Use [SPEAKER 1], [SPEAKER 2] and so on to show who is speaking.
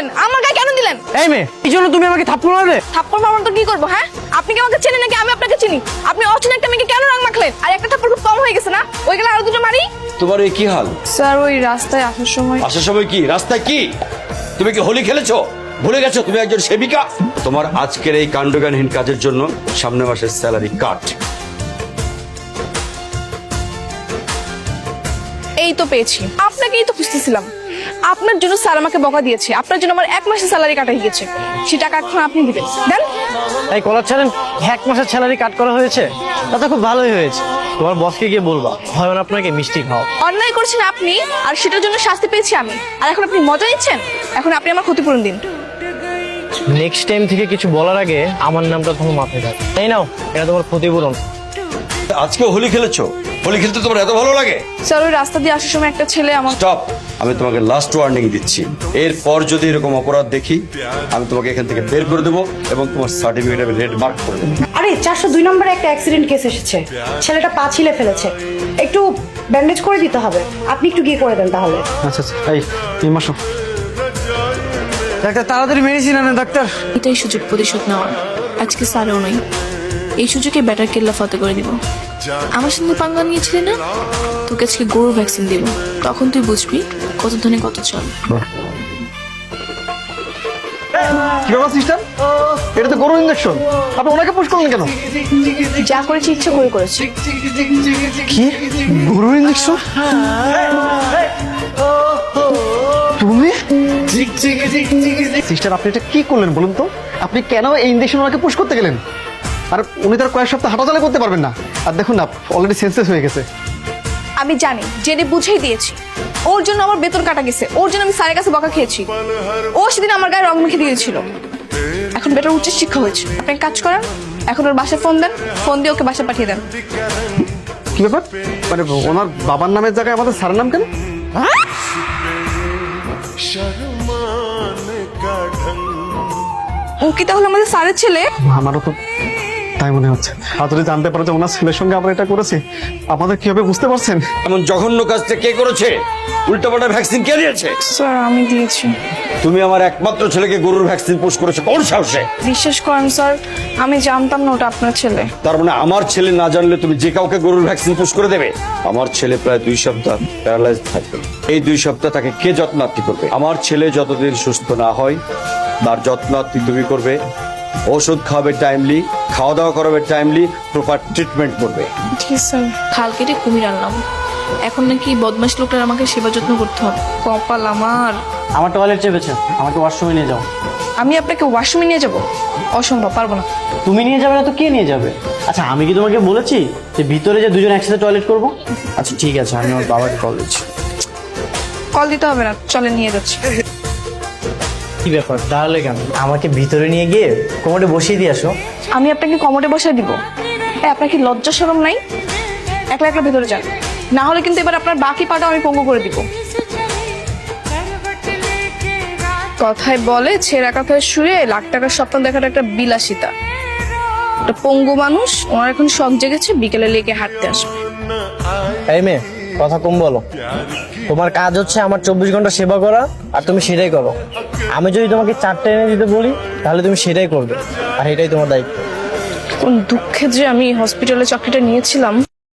[SPEAKER 1] দিলেন? আমার গায়ে কেন দিলেন?
[SPEAKER 2] এই মেয়ে, এই জন্য তুমি আমাকে থাপ্পড় মারলে?
[SPEAKER 1] থাপ্পড় মারবেন তো কি করবো? হ্যাঁ, আপনি কি আমাকে চেনেন নাকি আমি আপনাকে চিনি? আপনি অচেনা একটা মেয়েকে কেন রং মাখলেন? আর একটা থাপ্পড় খুব কম হয়ে গেছে না? ওই গেলে আরো দুটো মারি।
[SPEAKER 3] তোমার এই কি হাল?
[SPEAKER 1] স্যার ওই রাস্তায় আসার সময়
[SPEAKER 3] কি রাস্তায় কি তুমি কি হোলি খেলেছো? ভুলে গেছো তুমি একজন সেবিকা? তোমার আজকের এই কাণ্ডজ্ঞানহীন কাজের জন্য সামনের মাসের স্যালারি কাট।
[SPEAKER 1] এই তো পেয়েছি, আপনাকেই তো খুঁজতেছিলাম। আপনার জন্য স্যার আমাকে বকা দিয়েছে, আপনার জন্য আমার 1 মাসের স্যালারি কাটা হয়ে গেছে। সে টাকা এখন আপনি দিবেন, দেন।
[SPEAKER 2] এই কলার ছাড়েন, 1 মাসের স্যালারি কাট করা হয়েছে, তা তো খুব ভালোই হয়েছে। তোমার বসকে গিয়ে বলবা হয় আপনাকে মিষ্টি খাও।
[SPEAKER 1] অন্যায় করছেন আপনি, আর সেটার জন্য শাস্তি পেয়েছি আমি। আর এখন আপনি মজা নিচ্ছেন? এখন আপনি আমার ক্ষতিপূরণ দিন।
[SPEAKER 2] নেক্সট টাইম থেকে কিছু বলার আগে আমার নামটা তোমার মাথায় থাকে। এই নাও, এটা তোমার ক্ষতিপূরণ।
[SPEAKER 3] আজকে হোলি খেলেছো? হোলি খেলতে তোমার এত ভালো লাগে?
[SPEAKER 1] স্যার ওই রাস্তা দিয়ে আসার সময় একটা ছেলে আমার।
[SPEAKER 3] স্টপ, আমি তোমাকে লাস্ট ওয়ার্নিং দিচ্ছি। এরপর যদি এরকম অপরাধ দেখি আমি তোমাকে এখান থেকে বের করে দেবো এবং তোমার সার্টিফিকেট আমি রেড মার্ক করে দেবো।
[SPEAKER 4] আরে 402 নম্বরে একটা অ্যাক্সিডেন্ট কেস এসেছে, ছেলেটা পা ছিলে ফেলেছে, একটু ব্যান্ডেজ করে দিতে হবে। আপনি একটু গিয়ে করে দেন তাহলে।
[SPEAKER 2] আচ্ছা আচ্ছা, এই তুমি আসো। ডাক্তার তাড়াতাড়ি মেডিসিন আনেন ডাক্তার।
[SPEAKER 1] এটাই সুযোগ প্রতিশোধ নেওয়ার। আজকে স্যারও নই, এই সুযোগে ব্যাটার কেল্লা ফতে করে দিব। আমার সঙ্গে পাঙ্গা নিয়েছিলি না, তোকে আজকে গরুর ভ্যাকসিন দিব। তখন তুই বুঝবি কত ধনে কত চল।
[SPEAKER 5] কি ব্যাপার সিস্টার? এটা তো গরু ইঞ্জেকশন, আপনি ওনাকে পুশ করলেন কেন?
[SPEAKER 1] যা করেছি ইচ্ছে করে করেছি।
[SPEAKER 5] কি গরু ইঞ্জেকশন? তুমি সিস্টার, আপনি এটা কি করলেন বলুন তো? আপনি কেন এই ইঞ্জেকশন ওনাকে পুশ করতে গেলেন? আর উনি তার কয়েক সপ্তাহ হাঁটাচলা করতে পারবেন না। আর দেখুন না, অলরেডি সেন্সলেস হয়ে গেছে।
[SPEAKER 1] আমি জানি, জেনে বুঝেই দিয়েছি। ওর জন্য আমার বেতন কাটা গেছে, ওর জন্য আমি স্যারের কাছে বকা খেয়েছি। ও সেদিন আমার গায়ে রং মেখে দিয়েছিল। এখন বেটার উচ্চ শিক্ষা হয়েছে। আপনি এক কাজ করেন, এখন ওর বাসায় ফোন দেন, ফোন দিয়ে ওকে বাসায় পাঠিয়ে দেন।
[SPEAKER 5] কি ব্যাপার? মানে ওনার বাবার নামের জায়গায় আমাদের স্যারের নাম কেন?
[SPEAKER 1] ও কি তাহলে আমাদের স্যারের ছেলে?
[SPEAKER 5] আমারও তো তাই মনে হচ্ছে। আর যদি জানতে পারে যে ওনার ছেলের সঙ্গে আমরা এটা করেছি, আমাদের কি হবে বুঝতে পারছেন?
[SPEAKER 3] এমন জঘন্য কাজটা কে করেছে? উল্টাপাল্টা ভ্যাকসিন কে দিয়েছে?
[SPEAKER 1] স্যার আমি দিয়েছি।
[SPEAKER 3] তুমি আমার একমাত্র ছেলেকে গরুর ভ্যাকসিন পুশ করেছো কোন সাহসে?
[SPEAKER 1] বিশ্বাস করেন স্যার, আমি জানতাম না ওটা আপনার ছেলে।
[SPEAKER 3] তার মানে আমার ছেলে না জানলে তুমি যে কাউকে গরুর ভ্যাকসিন পুশ করে দেবে? আমার ছেলে প্রায় 2 সপ্তাহ প্যারালাইজ থাকবে। এই 2 সপ্তাহ তাকে কে যত্নার্থী করবে? আমার ছেলে যতদিন সুস্থ না হয় তার যত্নার্থী তুমি করবে। ওষুধ খাওয়াবে টাইমলি, খাওয়া দাওয়া করাবে টাইমলি, প্রপার ট্রিটমেন্ট করবে।
[SPEAKER 1] ঠিক স্যার। খাল কেটে কুমির আনলাম, এখন নাকি বদমাশ লোকটার আমাকে সেবা যত্ন করতে হবে। কপাল আমার।
[SPEAKER 2] আমার টয়লেট চেপেছে, আমাকে ওয়াশরুমে নিয়ে যাও।
[SPEAKER 1] আমি আপনাকে ওয়াশরুমে নিয়ে যাব? অসম্ভব, পারবো না।
[SPEAKER 2] তুমি নিয়ে যাবে না তো কে নিয়ে যাবে? আচ্ছা আমি কি তোমাকে বলেছি যে ভিতরে যে দুজন একসাথে টয়লেট করবো? আচ্ছা ঠিক আছে, আমি আমার বাবাকে কল দিচ্ছি।
[SPEAKER 1] কল দিতে হবে না, চলে নিয়ে যাচ্ছি।
[SPEAKER 2] কি ব্যাপার তাহলে কেন? আমাকে ভিতরে নিয়ে গিয়ে কোমরে বসিয়ে দিয়ে আসো।
[SPEAKER 1] আমি আপনাকে কমোডে বসায় দিব? আপনার কি লজ্জা শরম নাই? একলা একলা ভেতরে যান, না হলে কিন্তু এবার আপনার বাকি পাটা আমি পঙ্গু করে দিব। কথায় বলে ছেঁড়া কাঁথায় শুয়ে লাখ টাকার স্বপ্ন দেখার একটা বিলাসিতা। একটা পঙ্গু মানুষ, ওনার এখন শখ জেগেছে বিকেলে লেগে হাঁটতে আসবে।
[SPEAKER 2] এই মেয়ে, কথা কম বলো। তোমার কাজ হচ্ছে আমার 24 ঘন্টা সেবা করা, আর তুমি সেটাই করো। আমি যদি তোমাকে 4টা এনে দিতে বলি তাহলে তুমি সেটাই করবে, আর এটাই তোমার দায়িত্ব।
[SPEAKER 1] কোন দুঃখে যে আমি হসপিটালে চাকরিটা নিয়েছিলাম।